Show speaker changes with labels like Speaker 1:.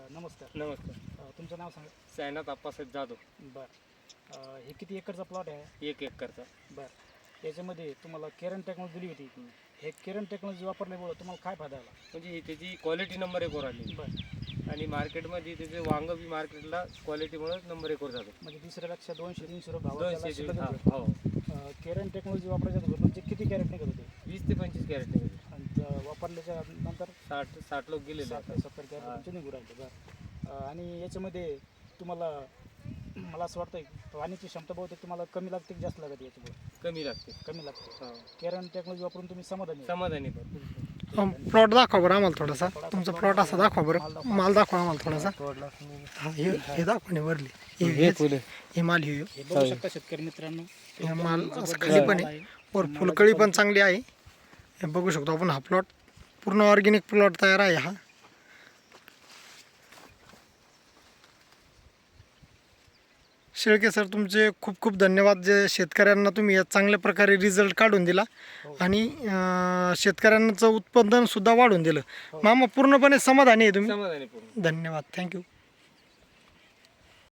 Speaker 1: नमस्कार.
Speaker 2: नमस्कार.
Speaker 1: तुमचं नाव सांगा.
Speaker 2: सायनाथ आप्पासाहेब जाधव.
Speaker 1: बरं. हे किती एकरचा प्लॉट आहे?
Speaker 2: 1 एकरचा.
Speaker 1: बरं. याच्यामध्ये तुम्हाला केरन टेक्नॉलॉजी दिली होती. हे केरन टेक्नॉलॉजी वापरल्यामुळं तुम्हाला काय फायदा आला?
Speaker 2: म्हणजे ही त्याची क्वालिटी नंबर 1 वर आली
Speaker 1: बरं.
Speaker 2: आणि मार्केटमध्ये त्याचे वांग बी मार्केटला क्वालिटीमुळे नंबर 1 वर जातो.
Speaker 1: म्हणजे दुसऱ्यापेक्षा 200-300 रुपये भाव त्याला
Speaker 2: 200
Speaker 1: शिल्लक
Speaker 2: हा,
Speaker 1: होतं.
Speaker 2: हो.
Speaker 1: केरन टेक्नॉलॉजी वापरायच्या अगोदर तुमचे किती कॅरेट निघत होते?
Speaker 2: 20 ते 25 कॅरेट निघाले.
Speaker 1: आणि वापरल्याच्या नंतर
Speaker 2: 60 लोक गेलेले
Speaker 1: 60 ते 70 कॅरेट
Speaker 2: हा.
Speaker 1: तुमचे निघू राहिले. बरं. आणि याच्यामध्ये तुम्हाला मला असं वाटतं पाण्याची क्षमता बहुतेक तुम्हाला कमी लागते की जास्त लागते? याच्यामुळे
Speaker 2: कमी लागते.
Speaker 1: कमी लागते.
Speaker 2: हो.
Speaker 1: केरन टेक्नॉलॉजी वापरून तुम्ही समाधानी आहे?
Speaker 2: समाधानी पण.
Speaker 3: प्लॉट दाखवा बरं आम्हाला थोडासा. तुमचा प्लॉट असा दाखवा बरं. माल दाखवा आम्हाला थोडासा. हा, हे दाखवा नाही वरली. हे माल हे
Speaker 1: हे बघू शकता शेतकरी मित्रांनो.
Speaker 3: हे माल असं खाली पण आहे. वर फुलकळी पण चांगली आहे. हे बघू शकतो आपण. हा प्लॉट पूर्ण ऑर्गॅनिक प्लॉट तयार आहे हा. शेळके सर तुमचे खूप खूप धन्यवाद. जे शेतकऱ्यांना तुम्ही या चांगल्या प्रकारे रिझल्ट काढून दिला आणि शेतकऱ्यांचं उत्पादन सुद्धा वाढून दिलं. मामा पूर्णपणे समाधानी आहे तुम्ही?
Speaker 2: समाधानी पूर्ण.
Speaker 3: धन्यवाद. थँक्यू.